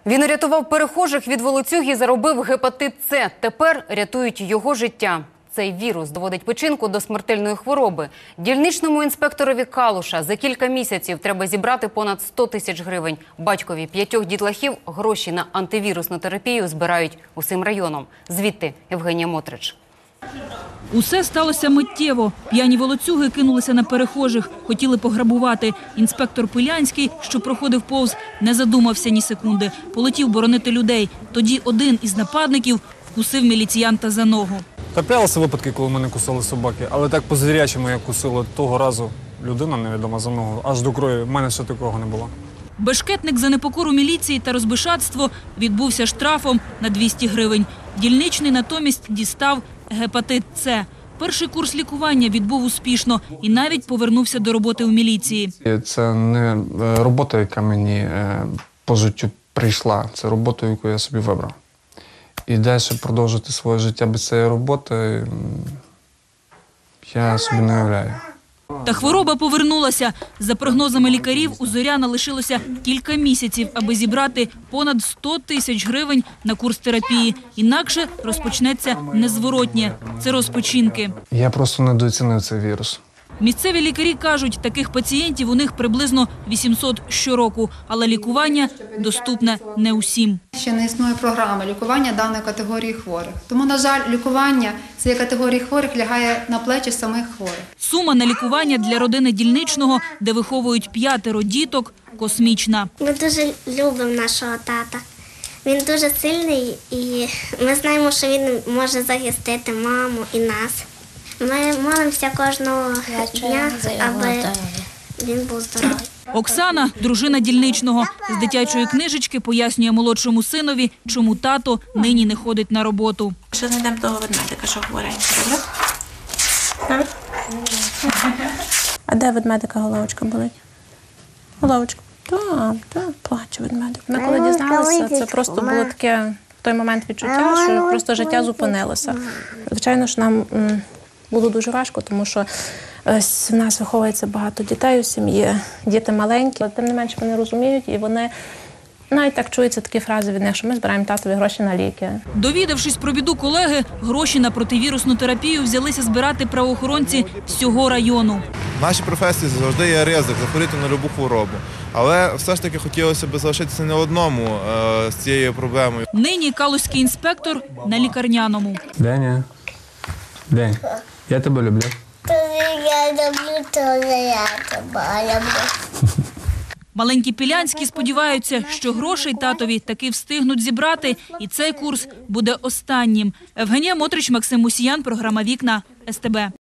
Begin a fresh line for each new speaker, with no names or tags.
Він рятував перехожих від волоцюг і заробив гепатит С. Тепер рятують його життя. Цей вірус доводить печінку до смертельної хвороби. Дільничному інспекторові Калуша за кілька місяців треба зібрати понад 100 тисяч гривень. Батькові 5 дітлахів гроші на антивірусну терапію збирають усім районом. Звідти Євгенія Мотрич.
Усе сталося миттєво. П'яні волоцюги кинулися на перехожих, хотіли пограбувати. Інспектор Пилянський, що проходив повз, не задумався ні секунди. Полетів боронити людей. Тоді один із нападників вкусив міліціянта за ногу.
Траплялися випадки, коли мене кусали собаки, але так по-звірячому як кусила того разу людина невідома за ногу. Аж до крові. В мене ще такого не було.
Бешкетник за непокору міліції та розбишатство відбувся штрафом на 200 гривень. Дільничний натомість дістав гепатит С. Перший курс лікування відбув успішно і навіть повернувся до роботи у міліції.
Це не робота, яка мені по життю прийшла. Це робота, яку я собі вибрав. І далі продовжити своє життя без цієї роботи я собі не уявляю.
Та хвороба повернулася. За прогнозами лікарів, у Зоряна лишилося кілька місяців, аби зібрати понад 100 тисяч гривень на курс терапії. Інакше розпочнеться незворотнє – цирроз печінки.
Я просто недооцінив цей вірус.
Місцеві лікарі кажуть, таких пацієнтів у них приблизно 800 щороку, але лікування доступне не усім.
Ще не існує програми лікування даної категорії хворих. Тому, на жаль, лікування цієї категорії хворих лягає на плечі самих хворих.
Сума на лікування для родини Дільничного, де виховують 5 діток, космічна.
Ми дуже любимо нашого тата. Він дуже сильний і ми знаємо, що він може захистити маму і нас. Ми молимося кожного дня, аби він був здоровий.
Оксана, дружина Дільничного, з дитячої книжечки пояснює молодшому синові, чому тато нині не ходить на роботу.
Що знайдемо того ведмедика, що хворенький, добре? Добре? А де ведмедика головочка болить? Головочка? Так, плаче ведмедик.
Ми коли дізналися, це просто було таке в той момент відчуття, що просто життя зупинилося. Звичайно ж, нам було дуже важко, тому що в нас виховується багато дітей у сім'ї, діти маленькі, але тим не менше вони розуміють і вони навіть так чуються такі фрази від них, що ми збираємо татові гроші на ліки.
Довідавшись про біду колеги, гроші на противірусну терапію взялися збирати правоохоронці всього району.
В нашій професії завжди є ризик захворіти на будь-яку хворобу. Але все ж таки хотілося б залишитися не одному з цією проблемою.
Нині калузький інспектор на лікарняному.
Деня, День, я тебе люблю.
Я люблю, то я тебе люблю.
Маленькі Пілянські сподіваються, що грошей татові таки встигнуть зібрати, і цей курс буде останнім. Євгенія Мотрич, Максим Мусіян, програма «Вікна», СТБ.